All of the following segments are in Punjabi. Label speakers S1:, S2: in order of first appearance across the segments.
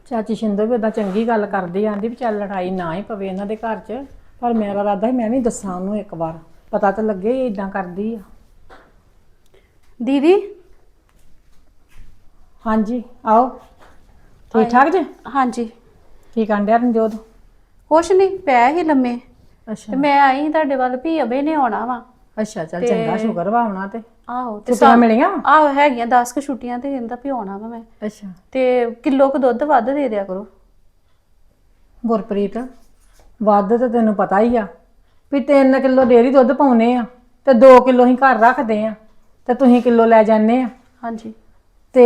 S1: ਚਾਚੀ ਸ਼ਿੰਦੋ ਵੀ ਉਦਾਂ ਚੰਗੀ ਗੱਲ ਕਰਦੀ ਆਂਦੀ ਵੀ ਚੱਲ ਲੜਾਈ ਨਾ ਹੀ ਪਵੇ ਇਹਨਾਂ ਦੇ ਘਰ 'ਚ। ਪਰ ਮੇਰਾ ਇਰਾਦਾ ਸੀ ਮੈਂ ਵੀ ਦੱਸਾਂ ਉਹਨੂੰ ਇੱਕ ਵਾਰ, ਪਤਾ ਤਾਂ ਲੱਗੇ ਇਹ ਇਦਾਂ ਕਰਦੀ ਆ।
S2: ਦੀਦੀ
S1: ਹਾਂਜੀ ਆਓ। ਠੀਕ ਠਾਕ ਜੀ?
S2: ਹਾਂਜੀ
S1: ਕੀ ਕਰਨ ਡਿਆ ਰਣਜੋਤ?
S2: ਕੁਛ ਨਹੀਂ, ਪੈ ਹੀ ਲੰਮੇ
S1: ਅੱਛਾ
S2: ਤੇ ਮੈਂ ਆਈ ਸੀ ਤੁਹਾਡੇ ਵੱਲ ਵੀ ਅਬੇ ਨੇ ਆਉਣਾ ਵਾ।
S1: ਅੱਛਾ, ਚੱਲ ਚੰਗਾ, ਸ਼ੁਕਰ ਵਾ ਆਉਣਾ ਤੇ।
S2: ਆਹੋ ਤੇ
S1: ਛੁੱਟੀਆਂ ਮਿਲੀਆਂ?
S2: ਆਹੋ ਹੈਗੀਆਂ 10 ਕੁ ਛੁੱਟੀਆਂ ਤੇ ਕਹਿੰਦਾ ਵੀ ਆਉਣਾ ਵਾ ਮੈਂ।
S1: ਅੱਛਾ
S2: ਤੇ ਕਿਲੋ ਕੁ ਦੁੱਧ ਵੱਧ ਦੇ ਦਿਆ ਕਰੋ।
S1: ਗੁਰਪ੍ਰੀਤ, ਵੱਧ ਤੇ ਤੈਨੂੰ ਪਤਾ ਹੀ ਆ ਵੀ 3 ਕਿਲੋ ਡੇਅਰੀ ਦੁੱਧ ਪਾਉਨੇ ਆ ਤੇ 2 ਕਿਲੋ ਹੀ ਘਰ ਰੱਖਦੇ ਆ ਤੇ ਤੁਸੀਂ ਕਿਲੋ ਲੈ ਜਾਂਦੇ ਆ।
S2: ਹਾਂਜੀ
S1: ਤੇ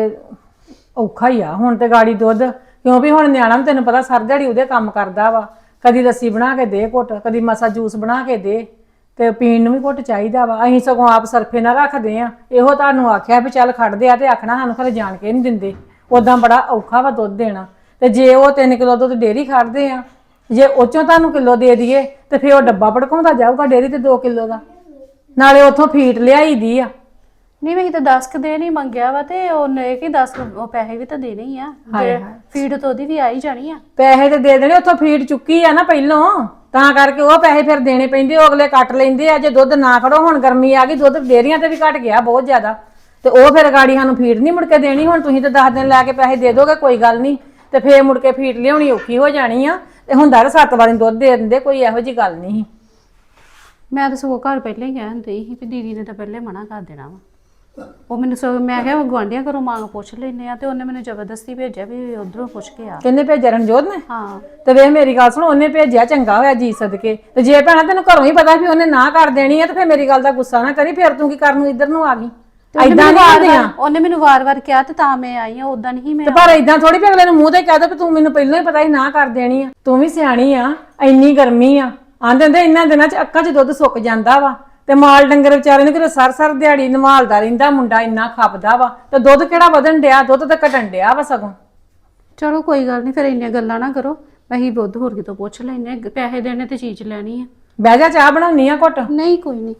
S1: ਔਖਾ ਹੀ ਆ ਹੁਣ ਤੇ ਗਾੜੀ ਦੁੱਧ, ਕਿਉਂ ਵੀ ਹੁਣ ਨਿਆਣਾ ਵੀ ਤੈਨੂੰ ਪਤਾ ਸਰ ਦਿਹਾੜੀ ਉਹਦੇ ਕੰਮ ਕਰਦਾ ਵਾ। ਕਦੀ ਲੱਸੀ ਬਣਾ ਕੇ ਦੇ ਘੁੱਟ, ਕਦੀ ਮਸਾ ਜੂਸ ਬਣਾ ਕੇ ਦੇ, ਤੇ ਪੀਣ ਨੂੰ ਵੀ ਘੁੱਟ ਚਾਹੀਦਾ ਵਾ। ਅਸੀਂ ਸਗੋਂ ਆਪ ਸਰਫੇ ਨਾਲ ਰੱਖਦੇ ਆ। ਇਹੋ ਤੁਹਾਨੂੰ ਆਖਿਆ ਵੀ ਚੱਲ ਖੜਦੇ ਆ ਤੇ ਆਖਣਾ ਸਾਨੂੰ ਘਰੇ ਜਾਣ ਕੇ ਨਹੀਂ ਦਿੰਦੇ। ਉਦਾਂ ਬੜਾ ਔਖਾ ਵਾ ਦੁੱਧ ਦੇਣਾ। ਤੇ ਜੇ ਉਹ 3 ਕਿਲੋ ਦੁੱਧ ਡੇਅਰੀ ਖੜਦੇ ਆ, ਜੇ ਉਹ ਚੋਂ ਤੁਹਾਨੂੰ ਕਿਲੋ ਦੇ ਦਈਏ ਤੇ ਫਿਰ ਉਹ ਡੱਬਾ ਭੜਕਾਉਂਦਾ ਜਾਊਗਾ ਡੇਅਰੀ ਤੇ 2 ਕਿਲੋ ਦਾ। ਨਾਲੇ ਉੱਥੋਂ ਫੀਟ ਲਿਆਈ ਦੀ ਆ।
S2: ਨਹੀਂ ਮੈਂ ਤਾਂ 10 ਕੁ ਦੇ ਨਹੀਂ ਮੰਗਿਆ ਵਾ ਤੇ ਉਹਨੇ ਕਿ 10 ਪੈਸੇ ਵੀ ਤਾਂ ਦੇਣੇ ਹੀ ਆ। ਫੀਡ ਤੋਂ ਉਹਦੀ ਵੀ ਆ ਹੀ ਜਾਣੀ ਆ।
S1: ਪੈਸੇ ਤੇ ਦੇ ਦੇਣੇ, ਉੱਥੋਂ ਫੀਡ ਚੁੱਕੀ ਆ ਨਾ ਪਹਿਲੋਂ, ਤਾਂ ਕਰਕੇ ਉਹ ਪੈਸੇ ਫਿਰ ਦੇਣੇ ਪੈਂਦੇ। ਉਹ ਅਗਲੇ ਕੱਟ ਲੈਂਦੇ ਆ ਜੇ ਦੁੱਧ ਨਾ ਖੜੋ। ਹੁਣ ਗਰਮੀ ਆ ਗਈ, ਦੁੱਧ ਡੇਅਰੀਆਂ ਤੇ ਵੀ ਘਟ ਗਿਆ ਬਹੁਤ ਜ਼ਿਆਦਾ, ਤੇ ਉਹ ਫਿਰ ਗਾੜੀ ਸਾਨੂੰ ਫੀਡ ਨਹੀਂ ਮੁੜ ਕੇ ਦੇਣੀ। ਹੁਣ ਤੁਸੀਂ ਤਾਂ 10 ਦਿਨ ਲੈ ਕੇ ਪੈਸੇ ਦੇ ਦੋਗੇ, ਕੋਈ ਗੱਲ ਨਹੀਂ, ਤੇ ਫੇਰ ਮੁੜ ਕੇ ਫੀਡ ਲਿਆਉਣੀ ਔਖੀ ਹੋ ਜਾਣੀ ਆ। ਤੇ ਹੁੰਦਾ ਤਾਂ 7 ਵਾਰੀ ਦੁੱਧ ਦੇ ਦਿੰਦੇ, ਕੋਈ ਇਹੋ ਜੀ ਗੱਲ ਨਹੀਂ।
S2: ਮੈਂ ਤਾਂ ਸਗੋਂ ਘਰ ਪਹਿਲਾਂ ਹੀ ਕਹਿਣ ਡਈ ਸੀ ਵੀ ਦੀਦੀ ਨੇ ਤਾਂ ਪਹਿਲੇ ਮਨਾ ਕਰ ਦੇਣਾ ਵਾ। ਉਹ ਮੈਨੂੰ ਸਗੋਂ ਮੈਂ ਕਿਹਾ ਗੁਆਂਢੀਆਂ ਘਰੋਂ ਮੰਗ ਪੁੱਛ ਲੈਨੇ ਆ ਤੇ ਉਹਨੇ ਮੈਨੂੰ ਜ਼ਬਰਦਸਤੀ ਭੇਜਿਆ ਵੀ ਉਧਰੋਂ ਪੁੱਛ ਕੇ ਆ।
S1: ਕਿੰਨੇ ਭੇਜਿਆ? ਰਣਜੋਤ ਨੇ?
S2: ਹਾਂ।
S1: ਤੇ ਵੇਖ ਮੇਰੀ ਗੱਲ ਸੁਣ, ਉਹਨੇ ਭੇਜਿਆ ਚੰਗਾ ਹੋਇਆ ਜੀ ਸਦਕੇ। ਤੇ ਜੇ ਭੈਣਾ ਤੈਨੂੰ ਘਰੋਂ ਹੀ ਪਤਾ ਵੀ ਉਹਨੇ ਨਾ ਕਰ ਦੇਣੀ ਆ ਤੇ ਫਿਰ ਮੇਰੀ ਗੱਲ ਦਾ ਗੁੱਸਾ ਨਾ ਕਰੀ। ਫਿਰ ਤੂੰ ਕੀ ਕਰਨ ਨੂੰ ਇੱਧਰ ਨੂੰ ਆ ਗਈ? ਏਦਾਂ ਨਹੀਂ ਹੁੰਦੀਆਂ।
S2: ਉਹਨੇ ਮੈਨੂੰ ਵਾਰ-ਵਾਰ ਕਿਹਾ ਤੇ ਤਾਂ ਮੈਂ ਆਈ ਆ, ਉਦਾਂ ਨਹੀਂ ਮੈਂ।
S1: ਤੇ ਪਰ ਏਦਾਂ ਥੋੜੀ ਵੀ ਅਗਲੇ ਨੂੰ ਮੂੰਹ ਤੇ ਕਹਿ ਦੋ ਕਿ ਤੂੰ ਮੈਨੂੰ ਪਹਿਲਾਂ ਹੀ ਪਤਾ ਸੀ ਨਾ ਕਰ ਦੇਣੀ ਆ। ਤੂੰ ਵੀ ਸਿਆਣੀ ਆ, ਇੰਨੀ ਗਰਮੀ ਆ, ਆਂਦੇ ਹੁੰਦੇ ਇਹਨਾਂ ਦਿਨਾਂ 'ਚ ਅੱਖਾਂ 'ਚ ਦੁੱਧ ਸੁੱਕ ਜਾਂਦਾ ਵਾ। ਤੇ ਮਾਲ ਡੰਗਰ ਵਿਚਾਰੇ ਨੂੰ ਕਿਤੇ ਸਰ ਦਿਹਾੜੀ ਨਵਾਲਦਾ ਰਹਿੰਦਾ ਮੁੰਡਾ, ਇੰਨਾ ਖਪਦਾ ਵਾ। ਤੇ ਦੁੱਧ ਕਿਹੜਾ ਵਧਣ ਡਿਆ, ਦੁੱਧ ਤਾਂ ਘਟਣ ਡਿਆ ਵਾ ਸਗੋਂ।
S2: ਚਲੋ ਕੋਈ ਗੱਲ ਨਹੀਂ, ਫਿਰ ਇੰਨੀਆਂ ਗੱਲਾਂ ਨਾ ਕਰੋ। ਅਸੀਂ ਦੁੱਧ ਹੋਰ ਕਿਤੋਂ ਪੁੱਛ ਲੈਨੇ, ਪੈਸੇ ਦੇਣੇ ਤੇ ਚੀਜ਼ ਲੈਣੀ ਆ।
S1: ਬਹਿ ਜਾ, ਚਾਹ ਬਣਾਉਣੀ ਆ ਘੁੱਟ।
S2: ਨਹੀਂ ਕੋਈ ਨਹੀਂ,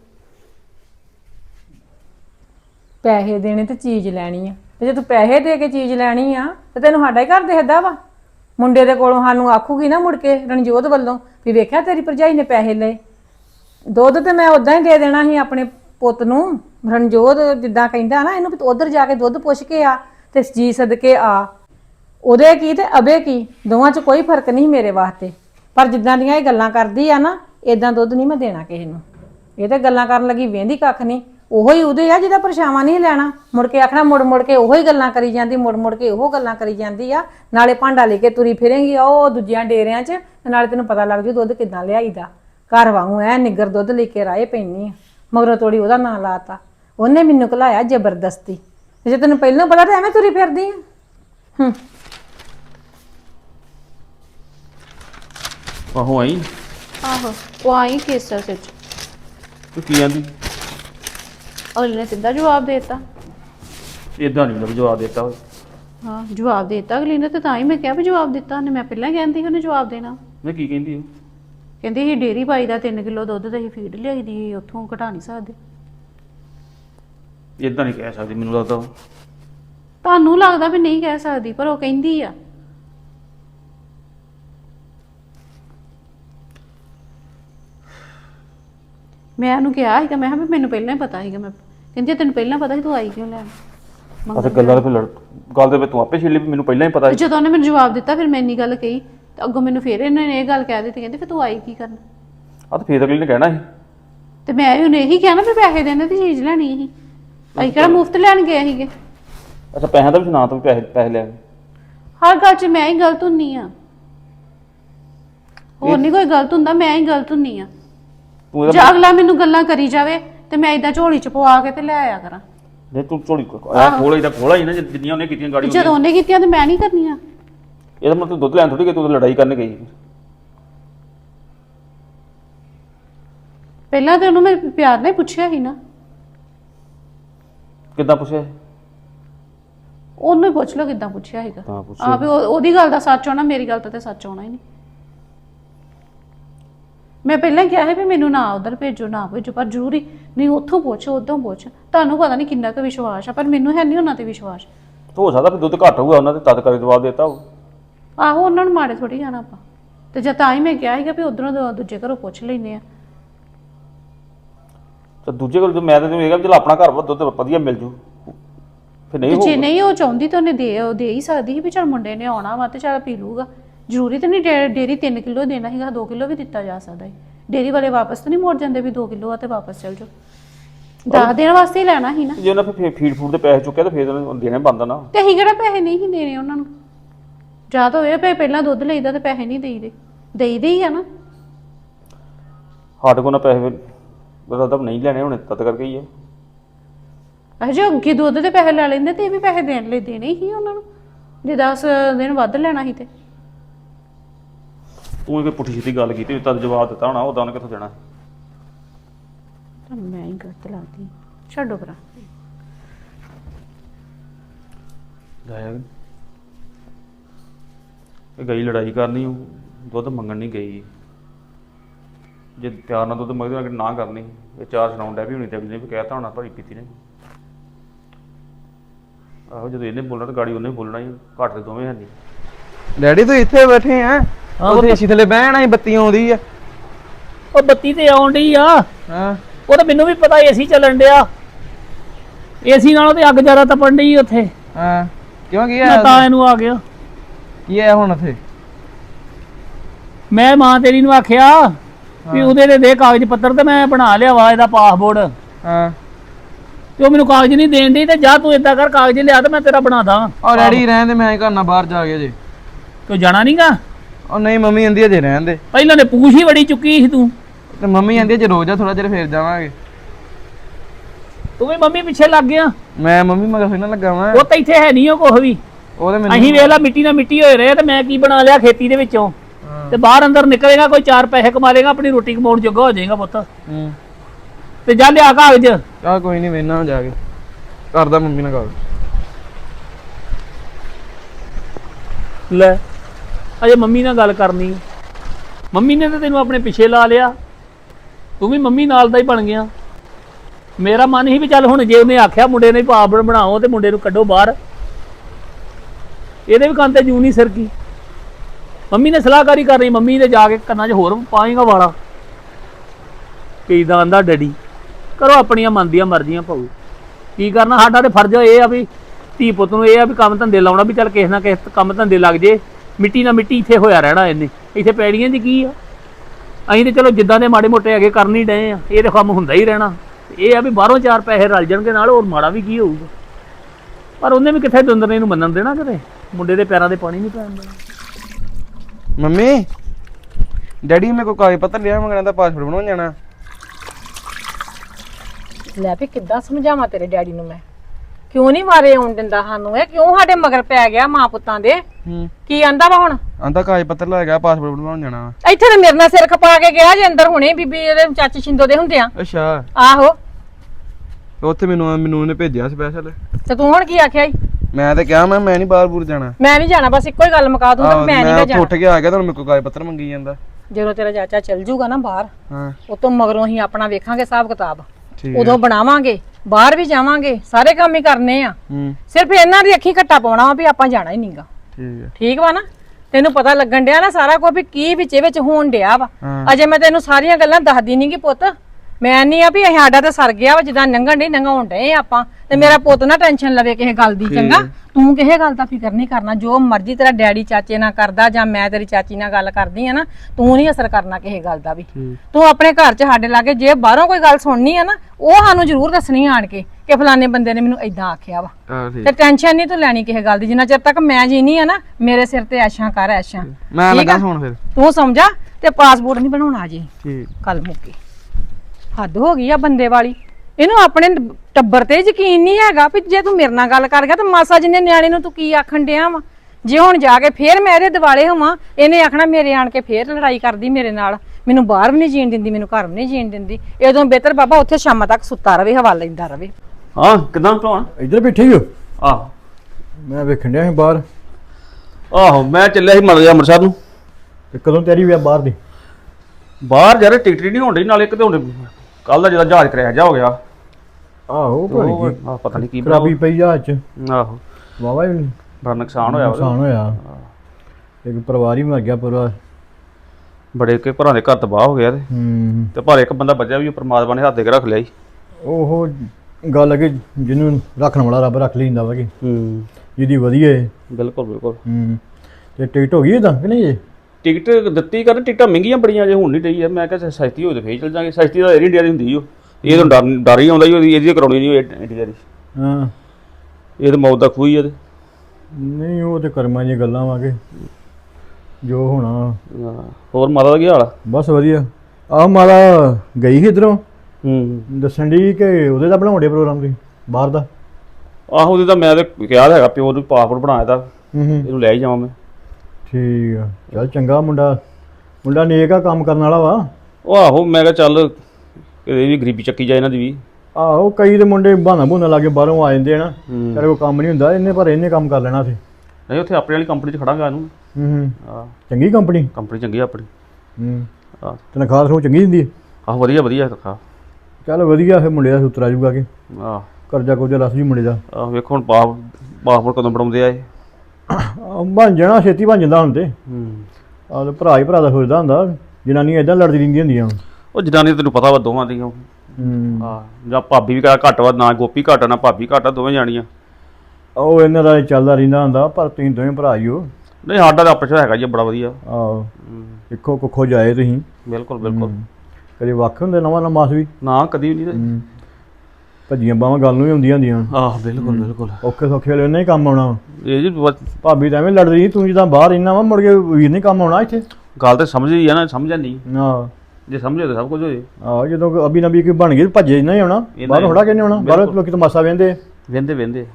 S1: ਪੈਸੇ ਦੇਣੇ ਤੇ ਚੀਜ਼ ਲੈਣੀ ਆ। ਤੇ ਜੇ ਤੂੰ ਪੈਸੇ ਦੇ ਕੇ ਚੀਜ਼ ਲੈਣੀ ਆ ਤੇ ਤੈਨੂੰ ਸਾਡਾ ਹੀ ਘਰ ਦੇਖਦਾ ਵਾ। ਮੁੰਡੇ ਦੇ ਕੋਲੋਂ ਸਾਨੂੰ ਆਖੂਗੀ ਨਾ ਮੁੜ ਕੇ ਰਣਜੋਤ ਵੱਲੋਂ ਵੀ ਵੇਖਿਆ ਤੇਰੀ ਭਰਜਾਈ ਨੇ ਪੈਸੇ ਲਏ। ਦੁੱਧ ਤੇ ਮੈਂ ਉਦਾਂ ਹੀ ਦੇ ਦੇਣਾ ਸੀ ਆਪਣੇ ਪੁੱਤ ਨੂੰ। ਰਣਜੋਤ ਜਿੱਦਾਂ ਕਹਿੰਦਾ ਨਾ ਇਹਨੂੰ, ਉਧਰ ਜਾ ਕੇ ਦੁੱਧ ਪੁੱਛ ਕੇ ਆ ਤੇ ਜੀ ਸਦਕੇ ਆ। ਉਹਦੇ ਕੀ ਤੇ ਅਬੇ ਕੀ, ਦੋਵਾਂ 'ਚ ਕੋਈ ਫਰਕ ਨਹੀਂ ਮੇਰੇ ਵਾਸਤੇ। ਪਰ ਜਿੱਦਾਂ ਦੀਆਂ ਇਹ ਗੱਲਾਂ ਕਰਦੀ ਆ ਨਾ, ਇਦਾਂ ਦੁੱਧ ਨਹੀਂ ਮੈਂ ਦੇਣਾ ਕਿਸੇ ਨੂੰ। ਇਹ ਤੇ ਗੱਲਾਂ ਕਰਨ ਲੱਗੀ ਵੇਂਦੀ ਕੱਖ ਨਹੀਂ। ਉਹੋ ਹੀ ਉਹਦੇ ਆ ਜਿਹਦਾ ਪਰਛਾਵਾਂ ਨਹੀਂ ਲੈਣਾ। ਮੁੜ ਕੇ ਆਖਣਾ ਮੁੜ ਕੇ ਉਹੋ ਹੀ ਗੱਲਾਂ ਕਰੀ ਜਾਂਦੀ, ਮੁੜ ਕੇ ਉਹੋ ਗੱਲਾਂ ਕਰੀ ਜਾਂਦੀ ਆ। ਨਾਲੇ ਭਾਂਡਾ ਲੈ ਕੇ ਤੁਰੀ ਫਿਰੇਂਗੀ ਉਹ ਦੂਜਿਆਂ ਡੇਰਿਆਂ 'ਚ, ਨਾਲੇ ਤੈਨੂੰ ਪਤਾ ਲੱਗ ਜੂ ਦੁੱਧ ਕਿੱਦਾਂ ਲਿਆਈਦਾ। ਘਰ ਵਾਂਗੂ ਐ ਨਿੱਗਰ ਦੁੱਧ ਲੈ ਕੇ ਰਾਏ ਪੈਣੀ ਆ। ਮਗਰੋਂ ਤੋੜੀ ਉਹਦਾ ਨਾਂ ਲਾਤਾ। ਉਹਨੇ ਮੈਨੂੰ ਘਲਾਇਆ ਜ਼ਬਰਦਸਤੀ। ਜੇ ਤੈਨੂੰ ਪਹਿਲਾਂ ਪਤਾ ਤਾਂ ਐਵੇਂ ਤੁਰੀ ਫਿਰਦੀ ਆ।
S3: ਆਹੋ ਆਈ
S2: ਆਹੋ ਉਹ ਆਈ ਕੇਸਰ ਸੱਚ।
S3: ਤੂੰ ਕੀ ਆਂਦੀ?
S2: ਅਗਲੇ ਨੇ ਸਿੱਧਾ ਜਵਾਬ ਦੇ ਦਿੱਤਾ।
S3: ਇਦਾਂ ਨਹੀਂ ਮੈਨੂੰ ਜਵਾਬ ਦਿੱਤਾ ਹੋਏ।
S2: ਹਾਂ ਜਵਾਬ ਦੇ ਦਿੱਤਾ ਅਗਲੀ ਨੇ, ਤੇ ਤਾਂ ਹੀ ਮੈਂ ਕਿਹਾ ਵੀ ਜਵਾਬ ਦਿੱਤਾ ਉਹਨੇ। ਮੈਂ ਪਹਿਲਾਂ ਕਹਿੰਦੀ ਉਹਨੇ ਜਵਾਬ ਦੇਣਾ।
S3: ਮੈਂ ਕੀ ਕਹਿੰਦੀ ਉਹ?
S2: ਕਹਿੰਦੀ ਸੀ ਡੇਅਰੀ ਪਾਈ ਦਾ 3 ਕਿਲੋ ਦੁੱਧ ਤੇ ਅਸੀਂ ਫੀਡ ਲਿਆਈ ਦੀ, ਉੱਥੋਂ ਘਟਾ ਨਹੀਂ ਸਕਦੇ।
S3: ਇਦਾਂ ਨਹੀਂ ਕਹਿ ਸਕਦੀ, ਮੈਨੂੰ ਲੱਗਦਾ ਉਹ।
S2: ਤੁਹਾਨੂੰ ਲੱਗਦਾ ਵੀ ਨਹੀਂ ਕਹਿ ਸਕਦੀ, ਪਰ ਉਹ ਕਹਿੰਦੀ ਆ। ਮੈਂ ਉਹਨੂੰ ਕਿਹਾ ਸੀਗਾ, ਮੈਂ ਕਿਹਾ ਵੀ ਮੈਨੂੰ ਪਹਿਲਾਂ ਹੀ ਪਤਾ ਸੀਗਾ। ਮੈਂ ਕਹਿੰਦੀ ਜੇ ਤੈਨੂੰ ਪਹਿਲਾਂ ਪਤਾ ਸੀ ਤੂੰ ਆਈ ਕਿਉਂ ਲੈਣ?
S3: ਅੱਛਾ ਗੱਲਾਂ ਤੇ ਗੱਲ ਤੇ ਤੂੰ ਆਪੇ ਛੇਲੀ ਵੀ ਮੈਨੂੰ ਪਹਿਲਾਂ ਹੀ ਪਤਾ ਸੀ।
S2: ਜਦੋਂ ਉਹਨੇ ਮੈਨੂੰ ਜਵਾਬ ਦਿੱਤਾ ਫਿਰ ਮੈਂ ਇੰਨੀ ਗੱਲ ਕਹੀ ਤੇ ਅੱਗੋਂ ਮੈਨੂੰ ਫਿਰ ਇਹਨਾਂ ਨੇ ਇਹ ਗੱਲ ਕਹਿ ਦਿੱਤੀ, ਕਹਿੰਦੇ ਫਿਰ ਤੂੰ ਆਈ ਕੀ ਕਰਨ?
S3: ਆ ਤਾਂ ਫੇਰ ਅਗਲੀ ਨੇ ਕਹਿਣਾ ਸੀ।
S2: ਤੇ ਮੈਂ ਉਹਨੇ ਇਹੀ ਕਿਹਾ ਨਾ ਵੀ ਪੈਸੇ ਦੇਣੇ ਤੇ ਚੀਜ਼ ਲੈਣੀ ਸੀ। ਅਸੀਂ ਕਿਹੜਾ ਮੁਫਤ ਲੈਣ ਗਏ ਸੀਗੇ।
S3: ਅੱਛਾ ਪੈਸਿਆਂ ਦਾ ਵੀ ਸੁਣਾ, ਤੂੰ ਪੈਸੇ ਲੈ।
S2: ਹਰ ਗੱਲ 'ਚ ਮੈਂ ਹੀ ਗਲਤ ਹੁੰਨੀ ਆ, ਹੋਰ ਨਹੀਂ ਕੋਈ ਗਲਤ ਹੁੰਦਾ, ਮੈਂ ਹੀ ਗਲਤ ਹੁੰਨੀ ਆ। ਜੇ ਅਗਲਾ ਮੈਨੂੰ ਗੱਲਾਂ ਕਰੀ ਜਾਵੇ ਤੇ ਮੈਂ ਇਦਾਂ ਝੋਲੀ 'ਚ ਪਵਾ ਕੇ ਤੇ ਲੈ ਆਇਆ ਕਰਾਂ।
S3: ਜੇ ਤੂੰ ਝੋਲੀ ਖੋਲਾ ਹੀ ਨਾ, ਜਿੰਨੀਆਂ ਉਹਨੇ ਕੀਤੀਆਂ ਗਾੜੀ।
S2: ਜਦੋਂ ਉਹਨੇ ਕੀਤੀਆਂ ਤੇ ਮੈਂ ਨਹੀਂ ਕਰਨੀਆਂ।
S3: ਇਹਦਾ ਮਤਲਬ ਦੁੱਧ ਲੈਣ ਥੋੜੀ ਗਈ, ਤੂੰ ਲੜਾਈ ਕਰਨ ਗਈ।
S2: ਪਹਿਲਾਂ ਤੇ ਉਹਨੂੰ ਮੈਂ ਪਿਆਰ ਨਾਲ ਪੁੱਛਿਆ ਸੀ ਨਾ।
S3: ਕਿੱਦਾਂ ਪੁੱਛਿਆ?
S2: ਉਹਨੂੰ ਹੀ ਪੁੱਛ ਲਓ ਕਿੱਦਾਂ ਪੁੱਛਿਆ ਸੀਗਾ।
S3: ਹਾਂ ਪੁੱਛਿਆ।
S2: ਆ ਵੀ ਉਹਦੀ ਗੱਲ ਦਾ ਸੱਚ ਹੋਣਾ, ਮੇਰੀ ਗੱਲ ਤਾਂ ਸੱਚ ਹੋਣਾ ਹੀ ਨਹੀਂ। ਮੈਂ ਪਹਿਲਾਂ ਕਿਹਾ ਸੀ ਵੀ ਮੈਨੂੰ ਨਾ ਉਧਰ ਭੇਜੋ, ਨਾ ਭੇਜੋ, ਪਰ ਜ਼ਰੂਰੀ ਨਹੀਂ ਉੱਥੋਂ ਪੁੱਛ ਉੱਧਰੋਂ ਪੁੱਛ। ਤੁਹਾਨੂੰ ਪਤਾ ਨਹੀਂ ਕਿੰਨਾ ਕੁ ਵਿਸ਼ਵਾਸ ਆ, ਪਰ ਮੈਨੂੰ ਹੈ ਨਹੀਂ ਉਹਨਾਂ ਤੇ ਵਿਸ਼ਵਾਸ।
S3: ਹੋ ਸਕਦਾ ਵੀ ਦੁੱਧ ਘੱਟ ਹੋਊਗਾ ਉਹਨਾਂ ਦੇ, ਤਦ ਕਰਕੇ ਜਵਾਬ ਦਿੱਤਾ ਹੋਊ।
S2: ਆਹੋ ਉਹਨਾਂ ਨੂੰ ਮਾੜੇ ਥੋੜੀ ਜਾਣਾ ਆਪਾਂ ਤੇ ਜਾਂ ਤਾਂ ਹੀ ਮੈਂ ਕਿਹਾ ਸੀਗਾ ਵੀ ਉਧਰੋਂ ਦੂਜੇ ਘਰੋਂ ਪੁੱਛ ਲੈਨੇ ਆ।
S3: ਤੇ ਦੂਜੇ ਕੋਲ ਮੈਂ ਤਾਂ ਤੈਨੂੰ ਇਹ ਕਿਹਾ ਵੀ ਚਲ ਆਪਣਾ ਘਰ ਵਾ, ਦੁੱਧ ਵਧੀਆ ਮਿਲ ਜੂ, ਫਿਰ ਨਹੀਂ
S2: ਤੇ ਜੇ
S3: ਹੋਊਗਾ।
S2: ਨਹੀਂ ਉਹ ਚਾਹੁੰਦੀ ਤਾਂ ਉਹਨੇ ਦੇ ਹੀ ਸਕਦੀ ਸੀ ਵੀ ਚਲ ਮੁੰਡੇ ਨੇ ਆਉਣਾ ਵਾ ਤੇ ਚਲ ਪੀ ਲੂਗਾ। ਜ਼ਰੂਰੀ ਤਾਂ ਨਹੀਂ ਡੇਰੀ 3 ਕਿਲੋ ਦੇਣਾ ਸੀਗਾ, 2 ਕਿਲੋ ਵੀ ਦਿੱਤਾ ਜਾ ਸਕਦਾ ਹੈ। ਡੇਰੀ ਵਾਲੇ ਵਾਪਸ ਤਾਂ ਨਹੀਂ ਮੋੜ ਜਾਂਦੇ ਵੀ 2 ਕਿਲੋ ਆ ਤੇ ਵਾਪਸ ਚਲ ਜਾਓ। 10 ਦਿਨ ਵਾਸਤੇ ਹੀ ਲੈਣਾ ਸੀ ਨਾ।
S3: ਜੇ ਉਹਨਾਂ ਫਿਰ ਫੀਡ ਫੂਡ ਦੇ ਪੈਸੇ ਚੁੱਕਿਆ ਤਾਂ ਫਿਰ ਉਹਨਾਂ ਦੇਣੇ ਬੰਦ ਨਾ।
S2: ਤੇ ਅਸੀਂ ਕਿਹੜਾ ਪੈਸੇ ਨਹੀਂ ਸੀ ਦੇਣੇ ਉਹਨਾਂ ਨੂੰ। ਜਾਂ ਤਾਂ ਹੋਏ ਪਏ ਪਹਿਲਾਂ ਦੁੱਧ ਲਈਦਾ ਤੇ ਪੈਸੇ ਨਹੀਂ ਦੇਈਦੇ ਹੀ ਆ ਨਾ।
S3: ਸਾਡੇ ਕੋਲ ਨਾ ਪੈਸੇ ਬਤਾ ਤਾਂ ਨਹੀਂ ਲੈਣੇ ਹੁਣ, ਤਦ ਕਰਕੇ ਹੀ ਆ।
S2: ਜੇ ਅੱਗੇ ਦੁੱਧ ਦੇ ਪੈਸੇ ਲੈ ਲੈਂਦੇ ਤੇ ਇਹ ਵੀ ਪੈਸੇ ਦੇਣੇ ਹੀ ਉਹਨਾਂ ਨੂੰ, ਜੇ 10 ਦਿਨ ਵੱਧ ਲੈਣਾ ਸੀ ਤੇ।
S3: ਤੂੰ ਇਹ ਪੁੱਠੀ ਸਿੱਧੀ ਗੱਲ ਕੀਤੀ, ਤਦ ਜਵਾਬ ਦਿੱਤਾ ਹੋਣਾ, ਉਹਦਾ ਉਹਨੇ ਕਿੱਥੋਂ ਦੇਣਾ।
S2: ਤੁਹਾਨੂੰ ਮੈਂ ਹੀ ਗਲਤ ਲੱਗਦੀ, ਛੱਡੋ ਭਰਾ।
S3: ਇਹ ਗਈ ਲੜਾਈ ਕਰਨੀ, ਉਹ ਦੁੱਧ ਮੰਗਣ ਨਹੀਂ ਗਈ। ਜੇ ਪਿਆਰ ਨਾਲ ਦੁੱਧ ਮੰਗਦੇ ਨਾ ਕਰਨੀ, ਇਹ ਚਾਰ ਸੁਣਾਉਣ ਡੈ ਵੀ ਹੋਣੀ ਤੇ ਅਗਲੇ ਨੇ ਵੀ ਕਹਿਤਾ ਹੋਣਾ ਭਰੀ ਪੀਤੀ ਨੇ। ਆਹੋ ਜਦੋਂ ਇਹਨੇ ਬੋਲਣਾ ਤਾਂ ਗਾੜੀ ਉਹਨੇ ਬੋਲਣਾ ਹੀ, ਘੱਟ ਤੇ ਦੋਵੇਂ ਹੈ ਨਹੀਂ।
S4: ਡੈਡੀ ਤੂੰ ਇੱਥੇ ਬੈਠੇ ਆ? ਉੱਥੇ ਏਸੀ ਥੱਲੇ ਬਹਿਣਾ ਹੀ, ਬੱਤੀ ਆਉਂਦੀ ਆ।
S5: ਉਹ ਬੱਤੀ ਤੇ ਆਉਣ ਡਈ ਆ।
S4: ਹਾਂ
S5: ਉਹ ਤਾਂ ਮੈਨੂੰ ਵੀ ਪਤਾ ਏਸੀ ਚੱਲਣ ਡਿਆ। ਏਸੀ ਨਾਲੋਂ ਤੇ ਅੱਗ ਜ਼ਿਆਦਾ ਤਪਣ ਡਈ ਉੱਥੇ।
S4: ਹਾਂ ਕਿਉਂ ਕੀ
S5: ਮੈਂ ਤਾਂ
S4: ਆ?
S5: ਇਹਨੂੰ ਆ ਗਿਆ।
S4: ਕੀ ਆ ਹੁਣ ਉੱਥੇ?
S5: ਮੈਂ ਮਾਂ ਤੇਰੀ ਨੂੰ ਆਖਿਆ ਵੀ ਉਹਦੇ ਦੇ ਕਾਗਜ਼ ਪੱਤਰ ਤੇ ਮੈਂ ਬਣਾ ਲਿਆ ਵਾ ਇਹਦਾ ਪਾਸਪੋਰਟ,
S4: ਹਾਂ
S5: ਤੇ ਉਹ ਮੈਨੂੰ ਕਾਗਜ਼ ਨਹੀਂ ਦੇਣ ਡਈ। ਤੇ ਜਾ ਤੂੰ ਏਦਾਂ ਕਰ, ਕਾਗਜ਼ ਲਿਆ ਤੇ ਮੈਂ ਤੇਰਾ ਬਣਾ ਦਾਂ।
S4: ਉਹ ਡੈਡੀ ਰਹਿਣ ਦੇ, ਮੈਂ ਕਰਨਾ ਬਾਹਰ ਜਾ ਕੇ ਜੇ।
S5: ਤੂੰ ਜਾਣਾ ਨਹੀਂਗਾ?
S4: ਉਹ ਨਹੀਂ ਮੰਮੀ ਕਹਿੰਦੀ ਅਜੇ ਰਹਿਣ ਦੇ।
S5: ਪਹਿਲਾਂ ਨੇ ਪੂਛ ਹੀ ਬੜੀ ਚੁੱਕੀ ਸੀ ਤੂੰ।
S4: ਤੇ ਮੰਮੀ ਕਹਿੰਦੀ ਜੇ ਰੋਜ਼ ਆ ਥੋੜਾ ਚਿਰ ਫੇਰ ਜਾਵਾਂਗੇ।
S5: ਤੂੰ ਵੀ ਮੰਮੀ ਪਿੱਛੇ ਲੱਗ ਗਿਆ।
S4: ਮੈਂ ਮੰਮੀ ਮਗਰ ਫਿਰ ਨਾ ਲੱਗਾ ਵਾਂ।
S5: ਉਹ ਤਾਂ ਇੱਥੇ ਹੈ ਨਹੀਂ ਉਹ ਕੁਛ ਵੀ।
S4: ਉਹਦੇ ਮੈਨੂੰ
S5: ਅਸੀਂ ਵੇਖ ਲਾ ਮਿੱਟੀ ਨਾਲ ਮਿੱਟੀ ਹੋਏ ਰਹੇ ਤੇ ਮੈਂ ਕੀ ਬਣਾ ਲਿਆ ਖੇਤੀ ਦੇ ਵਿੱਚੋਂ। ਤੇ ਬਾਹਰ ਅੰਦਰ ਨਿਕਲੇਗਾ, ਕੋਈ 4 ਪੈਸੇ ਕਮਾ ਲੇਗਾ, ਆਪਣੀ ਰੋਟੀ ਕਮਾਉਣ ਜੋਗਾ ਹੋ ਜਾਏਗਾ ਪੁੱਤ। ਤੇ ਜਾ ਲਿਆ ਕਾਗਜ਼।
S4: ਆ ਕੋਈ ਨਹੀਂ ਵੇਨਾ ਜਾ ਕੇ ਕਰਦਾ ਮੰਮੀ ਨਾਲ ਗੱਲ।
S5: ਲੈ ਅਜੇ ਮੰਮੀ ਨਾਲ ਗੱਲ ਕਰਨੀ। ਮੰਮੀ ਨੇ ਤਾਂ ਤੈਨੂੰ ਆਪਣੇ ਪਿੱਛੇ ਲਾ ਲਿਆ, ਤੂੰ ਵੀ ਮੰਮੀ ਨਾਲ ਦਾ ਹੀ ਬਣ ਗਿਆ। ਮੇਰਾ ਮਨ ਸੀ ਵੀ ਚੱਲ ਹੁਣ ਜੇ ਉਹਨੇ ਆਖਿਆ ਮੁੰਡੇ ਨੇ ਪਾਪੜ ਬਣਾਓ ਤੇ ਮੁੰਡੇ ਨੂੰ ਕੱਢੋ ਬਾਹਰ, ਇਹਦੇ ਵੀ ਕੰਨ ਤੇ ਜੂ ਨਹੀਂ ਸਰਕੀ। ਮੰਮੀ ਨੇ ਸਲਾਹਕਾਰੀ ਕਰਨੀ, ਮੰਮੀ ਨੇ ਜਾ ਕੇ ਕੰਨਾਂ 'ਚ ਹੋਰ ਪਾਏਗਾ ਵਾਲਾ। ਕਿਦਾਂ ਆਂਦਾ ਡੈਡੀ, ਕਰੋ ਆਪਣੀਆਂ ਮਨ ਦੀਆਂ ਮਰਜ਼ੀਆਂ ਪਾਓ। ਕੀ ਕਰਨਾ, ਸਾਡਾ ਤੇ ਫਰਜ਼ ਇਹ ਆ ਵੀ ਧੀ ਪੁੱਤ ਨੂੰ ਇਹ ਆ ਵੀ ਕੰਮ ਧੰਦੇ ਲਾਉਣਾ, ਵੀ ਚੱਲ ਕਿਸੇ ਨਾ ਕਿਸੇ ਕੰਮ ਧੰਦੇ ਲੱਗ ਜੇ। ਮਿੱਟੀ ਨਾਲ ਮਿੱਟੀ ਇੱਥੇ ਹੋਇਆ ਰਹਿਣਾ ਇਹਨੇ, ਇੱਥੇ ਪੈੜੀਆਂ 'ਚ ਕੀ ਆ। ਅਸੀਂ ਤੇ ਚਲੋ ਜਿੱਦਾਂ ਦੇ ਮਾੜੇ ਮੋਟੇ ਹੈਗੇ ਕਰਨ ਹੀ ਡਏ ਆ, ਇਹ ਤੇ ਕੰਮ ਹੁੰਦਾ ਹੀ ਰਹਿਣਾ। ਇਹ ਆ ਵੀ ਬਾਹਰੋਂ 4 ਪੈਸੇ ਰਲ ਜਾਣਗੇ ਨਾਲ, ਹੋਰ ਮਾੜਾ ਵੀ ਕੀ ਹੋਊਗਾ। ਪਰ ਉਹਨੇ ਵੀ ਕਿੱਥੇ ਦੁੰਦਰੇ ਨੂੰ ਮੰਨਣ ਦੇਣਾ, ਕਿਤੇ ਮੁੰਡੇ ਦੇ ਪੈਰਾਂ 'ਤੇ ਪਾਣੀ ਨਹੀਂ ਪੈਣ ਦੇਣਾ।
S4: ਮੰਮੀ ਡੈਡੀ ਮੇਰੇ ਕੋਲ ਕਾਗਜ਼ ਪੱਤਰ ਲਿਆ, ਮੰਗਣਾ ਤਾਂ ਪਾਸਪੋਰਟ ਬਣਾਉਣ ਜਾਣਾ।
S1: ਲੈ ਵੀ ਕਿੱਦਾਂ ਸਮਝਾਵਾਂ ਤੇਰੇ ਡੈਡੀ ਨੂੰ ਮੈਂ, ਕਿਉਂ ਨਹੀਂ ਮਾਰੇ ਆਉਣ ਦਿੰਦਾ ਸਾਨੂੰ ਇਹ, ਕਿਉਂ ਸਾਡੇ ਮਗਰ ਪੈ ਗਿਆ ਮਾਂ ਪੁੱਤਾਂ ਦੇ। ਕੀ ਆਂਦਾ ਵਾ ਹੁਣ?
S4: ਆਂਦਾ ਕਾਗਜ਼ ਪੱਤਰ ਲੈ ਗਿਆ, ਪਾਸਪੋਰਟ ਬਣਾਉਣ ਜਾਣਾ ਵਾ।
S1: ਇੱਥੇ ਤੇ ਮੇਰੇ ਨਾਲ ਸਿਰ ਖਪਾ ਕੇ ਗਿਆ ਜੇ ਅੰਦਰ ਹੁਣੇ, ਬੀਬੀ ਇਹਦੇ ਚਾਚੀ ਛਿੰਦੋ ਦੇ ਹੁੰਦੇ ਆ।
S4: ਅੱਛਾ
S1: ਆਹੋ
S4: ਉੱਥੇ ਮੈਨੂੰ ਉਹਨੇ ਭੇਜਿਆ ਸਪੈਸ਼ਲ।
S1: ਤੇ ਤੂੰ ਹੁਣ ਕੀ ਆਖਿਆ ਈ?
S4: ਮੈਂ ਤਾਂ ਕਿਹਾ ਮੈਂ ਨਹੀਂ ਬਾਹਰ ਬੂਰ ਜਾਣਾ।
S1: ਮੈਂ ਨਹੀਂ ਜਾਣਾ, ਬਸ ਇੱਕੋ ਹੀ ਗੱਲ ਮੁਕਾ ਦੂੰ, ਮੈਂ ਨਹੀਂ ਜਾਣਾ।
S4: ਉੱਠ ਕੇ ਆ ਗਿਆ ਤਾਂ ਮੇਰੇ ਕੋਲ ਕਾਗਜ਼ ਪੱਤਰ ਮੰਗੀ ਜਾਂਦਾ।
S1: ਜਦੋਂ ਤੇਰਾ ਚਾਚਾ ਚੱਲ ਜੂਗਾ ਨਾ ਬਾਹਰ,
S4: ਹਾਂ
S1: ਉਤੋਂ ਮਗਰੋਂ ਹੀ ਆਪਣਾ ਵੇਖਾਂਗੇ ਹਿਸਾਬ ਕਿਤਾਬ,
S4: ਠੀਕ
S1: ਉਦੋਂ ਬਣਾਵਾਂਗੇ, ਬਾਹਰ ਵੀ ਜਾਵਾਂਗੇ, ਸਾਰੇ ਕੰਮ ਹੀ ਕਰਨੇ ਆ। ਸਿਰਫ ਇਹਨਾਂ ਦੀ ਅੱਖੀ ਘੱਟਾ ਪਾਉਣਾ ਵਾ ਵੀ ਆਪਾਂ ਜਾਣਾ ਹੀ ਨਹੀਂਗਾ।
S4: ਠੀਕ ਹੈ
S1: ਠੀਕ ਵਾ ਨਾ? ਤੈਨੂੰ ਪਤਾ ਲੱਗਣ ਡਿਆ ਨਾ ਸਾਰਾ ਕੁਝ ਵੀ ਕੀ ਵਿੱਚ ਹੋਣ ਡਿਆ ਵਾ। ਅਜੇ ਮੈਂ ਤੈਨੂੰ ਸਾਰੀਆਂ ਗੱਲਾਂ ਦੱਸਦੀ ਨਹੀਂਗੀ ਪੁੱਤ। ਮੈਂ ਨਹੀਂ ਆ ਵੀ ਸਾਡਾ ਤਾਂ ਸਰ ਗਿਆ ਵਾ, ਜਿੱਦਾਂ ਲੰਘਣ ਨਹੀਂ ਲੰਘਾਉਣ ਡਏ ਆਪਾਂ। ਤੇ ਮੇਰਾ ਪੁੱਤ ਨਾ ਟੈਨਸ਼ਨ ਲਵੇ ਕਿਸੇ ਗੱਲ ਦੀ, ਚੰਗਾ? ਤੂੰ ਕਿਸੇ ਗੱਲ ਦਾ ਫਿਕਰ ਨਹੀਂ ਕਰਨਾ, ਜੋ ਮਰਜ਼ੀ ਤੇਰਾ ਡੈਡੀ ਚਾਚੇ ਨਾਲ ਕਰਦਾ ਜਾਂ ਮੈਂ ਤੇਰੀ ਚਾਚੀ ਨਾਲ ਗੱਲ ਕਰਦੀ ਆ ਨਾ, ਤੂੰ ਨਹੀਂ ਅਸਰ ਕਰਨਾ ਕਿਸੇ ਗੱਲ ਦਾ ਵੀ। ਤੂੰ ਆਪਣੇ ਘਰ 'ਚ ਸਾਡੇ ਲਾਗੇ ਜੇ ਬਾਹਰੋਂ ਕੋਈ ਗੱਲ ਸੁਣਨੀ ਆ ਨਾ, ਉਹ ਸਾਨੂੰ ਜ਼ਰੂਰ ਦੱਸਣੀ ਆਣ ਕੇ ਕਿ ਫਲਾਣੇ ਬੰਦੇ ਨੇ ਮੈਨੂੰ ਏਦਾਂ ਆਖਿਆ ਵਾ। ਤੇ ਟੈਨਸ਼ਨ ਨਹੀਂ ਤੂੰ ਲੈਣੀ ਕਿਸੇ ਗੱਲ ਦੀ, ਜਿੰਨਾ ਚਿਰ ਤੱਕ ਮੈਂ ਜੀਨੀ ਆ ਨਾ, ਮੇਰੇ ਸਿਰ ਤੇ ਐਸ਼ਾਂ ਕਰ ਐਸ਼ਾਂ।
S4: ਮੈਂ ਲੱਗਾ ਹੁਣ ਫਿਰ
S1: ਤੂੰ ਸਮਝਾ, ਤੇ ਪਾਸਪੋਰਟ ਨਹੀਂ ਬਣਾਉਣਾ ਜੀ,
S4: ਠੀਕ
S1: ਕੱਲ ਮੁੱਕੀ। ਹੱਦ ਹੋ ਗਈ ਆ ਬੰਦੇ ਵਾਲੀ। ਇਹਨੂੰ ਆਪਣੇ ਟੱਬਰ ਤੇ ਯਕੀਨ ਨਹੀਂ ਹੈਗਾ ਵੀ ਜੇ ਤੂੰ ਮੇਰੇ ਨਾਲ ਗੱਲ ਕਰ ਗਿਆ ਤਾਂ ਮਾਸਾ ਜਿੰਨੇ ਨਿਆਣੇ ਨੂੰ ਤੂੰ ਕੀ ਆਖਣ ਡਿਆ ਵਾ। ਜੇ ਹੁਣ ਜਾ ਕੇ ਫੇਰ ਮੈਂ ਇਹਦੇ ਦਿਵਾਲੇ ਹੋਵਾਂ, ਇਹਨੇ ਆਖਣਾ ਮੇਰੇ ਆਣ ਕੇ ਫੇਰ ਲੜਾਈ ਕਰਦੀ ਮੇਰੇ ਨਾਲ, ਮੈਨੂੰ ਬਾਹਰ ਵੀ ਨਹੀਂ ਜੀਣ ਦਿੰਦੀ, ਮੈਨੂੰ ਘਰ ਵੀ ਨਹੀਂ ਜੀਣ ਦਿੰਦੀ। ਇਦੋਂ ਬਿਹਤਰ ਬਾਬਾ ਉੱਥੇ ਸ਼ਾਮਾਂ ਤੱਕ ਸੁੱਤਾ ਰਵੇ, ਹਵਾ ਲੈਂਦਾ ਰਵੇ।
S3: ਹਾਂ ਕਿਦਾਂ ਭਲਵਾਨ?
S6: ਇੱਧਰ ਬੈਠੇ ਹੀ ਹੋ?
S3: ਆਹੋ
S6: ਮੈਂ ਵੇਖਣ ਡਿਆ ਸੀ ਬਾਹਰ।
S3: ਆਹੋ ਮੈਂ ਚੱਲਿਆ ਸੀ ਮੜ ਅੰਮ੍ਰਿਤਸਰ ਨੂੰ।
S6: ਤੇ ਕਦੋਂ ਤਿਆਰੀ ਹੋਈ ਆ ਬਾਹਰ ਦੀ?
S3: ਬਾਹਰ ਯਾਰ ਟਿਕਟ ਨਹੀਂ ਹੋਣ ਡਈ, ਨਾਲੇ ਕਿਤੇ ਹੁਣ ਕੱਲ ਦਾ ਜਿਹੜਾ ਜਹਾਜ਼ ਕਰਿਆ ਜਾ ਹੋ ਗਿਆ।
S6: ਆਹੋ
S3: ਪਤਾ ਨਹੀਂ ਕੀ
S6: ਖਰਾਬੀ ਪਈ ਜਹਾਜ਼ ਚ,
S3: ਆਹੋ
S6: ਵਾਵਾ ਹੀ
S3: ਬੜਾ ਨੁਕਸਾਨ ਹੋਇਆ
S6: ਨੁਕਸਾਨ ਹੋਇਆ। ਇੱਕ ਪਰਿਵਾਰ ਹੀ ਮਰ ਗਿਆ ਪੂਰਾ।
S3: ਬੜੇ ਕੇ ਭਰਾ ਦੇ ਘਰ ਤਬਾਹ ਹੋ ਗਿਆ ਤੇ ਪਰ ਇੱਕ ਬੰਦਾ ਬਚਿਆ ਵੀ ਉਹ ਪ੍ਰਮਾਤਮਾ ਨੇ ਹੱਥ ਦੇ ਕੇ ਰੱਖ ਲਿਆ ਜੀ।
S6: ਉਹ ਗੱਲ ਹੈ ਕਿ ਜਿਹਨੂੰ ਰੱਖਣ ਵਾਲਾ ਰੱਬ ਰੱਖ ਲੈਂਦਾ ਵਾ ਕਿ ਜਿਹਦੀ ਵਧੀਆ ਹੈ।
S3: ਬਿਲਕੁਲ ਬਿਲਕੁਲ।
S6: ਤੇ ਟਿਕਟ ਹੋ ਗਈ ਇਹਦਾ ਕਿ ਨਹੀਂ?
S3: ਟਿਕਟ ਦਿੱਤੀ ਕਰਨ, ਟਿਕਟਾਂ ਮਹਿੰਗੀਆਂ ਬੜੀਆਂ ਜੇ ਹੁਣ ਨਹੀਂ ਰਹੀ ਹੈ। ਮੈਂ ਕਿਹਾ ਸਸਤੀ ਹੋਵੇ ਤੇ ਫੇਰ ਚੱਲ ਜਾਾਂਗੇ। ਸਸਤੀ ਤਾਂ ਏਅਰ ਇੰਡੀਆ ਦੀ ਹੁੰਦੀ ਉਹ, ਇਹ ਤਾਂ ਡਰ ਹੀ ਆਉਂਦਾ ਜੀ ਉਹਦੀ, ਇਹਦੀ ਕਰਾਉਣੀ ਨਹੀਂ ਇੰਡੀਆ ਦੀ।
S6: ਹਾਂ
S3: ਇਹ ਤਾਂ ਮੌਤ ਦਾ ਖੂਹ ਹੀ ਇਹਦੇ।
S6: ਨਹੀਂ ਉਹ ਤੇ ਕਰਮਾਂ ਦੀਆਂ ਗੱਲਾਂ ਵਾ ਕਿ ਜੋ ਹੋਣਾ।
S3: ਹੋਰ ਮਾਤਾ ਦਾ ਕੀ ਹਾਲ ਆ?
S6: ਬਸ ਵਧੀਆ। ਆਹ ਮਾਤਾ ਗਈ ਸੀ ਇੱਧਰੋਂ, ਦੱਸਣ ਦੀ ਕਿ ਉਹਦੇ ਦਾ ਬਣਾਉਂਦੇ ਪ੍ਰੋਗਰਾਮ ਦੀ ਬਾਹਰ ਦਾ।
S3: ਆਹੋ ਉਹਦੇ ਤਾਂ ਮੈਂ ਤੇ ਕਿਹਾ ਹੈਗਾ ਪਿਓ ਨੂੰ ਪਾਸਪੋਰਟ ਬਣਾਇਆ ਤਾਂ ਇਹਨੂੰ ਲੈ ਹੀ ਜਾਵਾਂ ਮੈਂ।
S6: ਠੀਕ ਆ, ਚੱਲ ਚੰਗਾ ਮੁੰਡਾ ਨੇਕ ਆ, ਕੰਮ ਕਰਨ ਵਾਲਾ ਵਾ।
S3: ਉਹ ਆਹੋ ਮੈਂ ਕਿਹਾ ਚੱਲ ਇਹਦੀ ਵੀ ਗਰੀਬੀ ਚੱਕੀ ਜਾਏ ਇਹਨਾਂ ਦੀ ਵੀ।
S6: ਆਹੋ ਕਈ ਤੇ ਮੁੰਡੇ ਬਹਾਨਾ ਲਾ ਕੇ ਬਾਹਰੋਂ ਆ ਜਾਂਦੇ ਆ ਨਾ, ਤੇਰੇ ਕੋਲ ਕੰਮ ਨਹੀਂ ਹੁੰਦਾ ਇਹਨੇ, ਪਰ ਇਹਨੇ ਕੰਮ ਕਰ ਲੈਣਾ ਸੀ।
S3: ਨਹੀਂ ਉੱਥੇ ਆਪਣੇ ਵਾਲੀ ਕੰਪਨੀ 'ਚ ਖੜਾਂਗਾ ਇਹਨੂੰ।
S6: ਚੰਗੀ ਕੰਪਨੀ
S3: ਚੰਗੀ ਆ ਆਪਣੀ। ਆਹ
S6: ਤਨਖਾਹ ਸਗੋਂ ਚੰਗੀ ਹੁੰਦੀ ਹੈ।
S3: ਆਹੋ ਵਧੀਆ ਵਧੀਆ ਤਨਖਾਹ।
S6: ਚੱਲ ਵਧੀਆ, ਫਿਰ ਮੁੰਡੇ ਦਾ ਸੁਤਰਾ ਜੂਗਾ ਕਿ
S3: ਆਹ
S6: ਕਰਜ਼ਾ ਕੁਰਜ਼ਾ ਲੱਥ ਜੂ ਮੁੰਡੇ ਦਾ।
S3: ਆਹ ਵੇਖੋ ਹੁਣ ਪਾਸਪੋਰਟ ਕਦੋਂ ਬਣਾਉਂਦੇ ਆ ਇਹ।
S6: ਬਣ ਜਾਣਾ, ਛੇਤੀ ਬਣ ਜਾਂਦਾ ਹੁਣ ਤੇ। ਆਹ ਭਰਾ ਹੀ ਭਰਾ ਦਾ ਸੋਚਦਾ ਹੁੰਦਾ, ਜਨਾਨੀਆਂ ਏਦਾਂ ਲੜਦੀ ਰਹਿੰਦੀਆਂ ਹੁੰਦੀਆਂ।
S3: ਉਹ ਜਨਾਨੀ ਤੈਨੂੰ ਪਤਾ ਵਾ ਦੋਵਾਂ ਦੀਆਂ। ਜਾਂ ਭਾਬੀ ਵੀ ਘੱਟ ਵਾ, ਨਾ ਗੋਪੀ ਘੱਟ ਨਾ ਭਾਬੀ ਘੱਟ ਆ, ਦੋਵੇਂ ਜਾਣੀਆਂ।
S6: ਉਹ ਇਹਨਾਂ ਦਾ ਚੱਲਦਾ ਰਹਿੰਦਾ ਹੁੰਦਾ, ਪਰ ਤੁਸੀਂ ਦੋਵੇਂ ਭਰਾ ਹੀ ਹੋ।
S3: ਨਹੀਂ ਸਾਡਾ ਤਾਂ ਆਪਸ ਵਿੱਚ ਹੈਗਾ ਜੀ ਬੜਾ ਵਧੀਆ।
S6: ਆਹੋ ਇੱਕੋ ਕੁੱਖੋ ਜਾਏ ਤੁਸੀਂ।
S3: ਬਿਲਕੁਲ ਬਿਲਕੁਲ।
S6: ਕਦੇ ਵੱਖ ਹੁੰਦੇ ਨਵਾਂ ਮਾਸ ਵੀ?
S3: ਨਾ ਕਦੀ ਵੀ ਨਹੀਂ।
S6: ਭੱਜੀਆਂ ਬਾਹਾਂ ਗੱਲ ਨੂੰ ਵੀ ਹੁੰਦੀਆਂ ਹੁੰਦੀਆਂ।
S3: ਆਹ ਬਿਲਕੁਲ ਬਿਲਕੁਲ।
S6: ਔਖੇ ਸੌਖੇ ਵੇਲੇ ਉਹਨੇ ਹੀ ਕੰਮ ਆਉਣਾ।
S3: ਇਹ ਜੀ
S6: ਭਾਬੀ ਤਾਂ ਐਵੇਂ ਲੜਦੀ ਰਹੀ, ਤੂੰ ਜਿੱਦਾਂ ਬਾਹਰ ਰਹਿਣਾ ਵਾ, ਮੁੜ ਕੇ ਵੀਰ ਨੇ ਕੰਮ ਆਉਣਾ ਇੱਥੇ।
S3: ਗੱਲ ਤੇ ਸਮਝੀ ਆ ਨਾ, ਸਮਝਿਆ ਨਹੀਂ।
S6: ਆਹ
S3: ਜੇ ਸਮਝੇ ਤਾਂ ਸਭ ਕੁਝ ਹੋ ਜੇ।
S6: ਆਹ ਜਦੋਂ ਅਬੀ ਨਬੀ ਕੋਈ ਬਣ ਗਈ ਭੱਜੇ ਨਾ ਹੀ ਆਉਣਾ, ਬਾਹਰ ਥੋੜਾ ਕਿੰਨੇ ਆਉਣਾ, ਬਾਹਰ ਲੋਕੀ ਤਮਾਸ਼ਾ ਵੇਂਦੇ।
S3: ਵਹਿੰਦੇ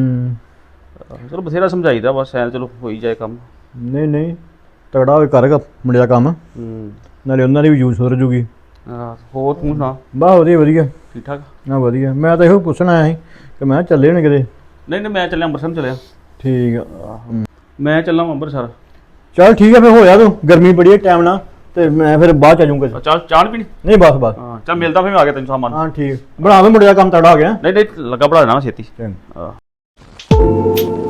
S3: ਚਲੋ ਬਥੇਰਾ ਸਮਝਾਈਦਾ, ਬਸ ਐਂ ਚਲੋ ਹੋਈ ਜਾਏ ਕੰਮ।
S6: ਨਹੀਂ ਤਗੜਾ ਹੋਏ ਕਰੇਗਾ ਮੁੰਡੇ ਦਾ ਕੰਮ, ਨਾਲੇ ਉਹਨਾਂ ਦੀ ਵੀ ਯੂਜ਼ ਹੋ ਜੂਗੀ।
S3: ਹੋਰ ਤੂੰ ਸੁਣਾ?
S6: ਬਸ ਵਧੀਆ
S3: ਠੀਕ ਠਾਕ।
S6: ਨਾ ਵਧੀਆ। ਮੈਂ ਤਾਂ ਇਹੋ ਪੁੱਛਣਾ ਆਇਆ ਸੀ ਕਿ ਮੈਂ ਚੱਲੇ ਹੋਣੇ ਕਿਤੇ।
S3: ਨਹੀਂ ਮੈਂ ਚੱਲਿਆ ਅੰਮ੍ਰਿਤਸਰ ਚੱਲਿਆ।
S6: ਠੀਕ ਆ,
S3: ਮੈਂ ਚੱਲਾਂ ਅੰਮ੍ਰਿਤਸਰ।
S6: ਚੱਲ ਠੀਕ ਆ, ਫਿਰ ਹੋਇਆ ਤੂੰ, ਗਰਮੀ ਬੜੀ ਹੈ ਟਾਈਮ ਨਾਲ, ਤੇ ਮੈਂ ਫਿਰ ਬਾਅਦ ਚ ਆ ਜਾਊਂਗਾ।
S3: ਚਾਹ ਚਾਹ ਨੀ ਪੀਣੀ?
S6: ਨਹੀਂ ਬਸ
S3: ਹਾਂ ਚੱਲ ਮਿਲਦਾ ਫਿਰ, ਮੈਂ ਆ ਗਿਆ ਤੈਨੂੰ ਸਾਮਾਨ।
S6: ਹਾਂ ਠੀਕ, ਬਣਾ ਲਓ, ਮੁੰਡੇ ਦਾ ਕੰਮ ਤਗੜਾ ਹੋ ਗਿਆ।
S3: ਨਹੀਂ ਲੱਗਾ ਬਣਾ ਦੇਣਾ ਛੇਤੀ।
S6: ਚੰਗਾ।
S3: ਹਾਂ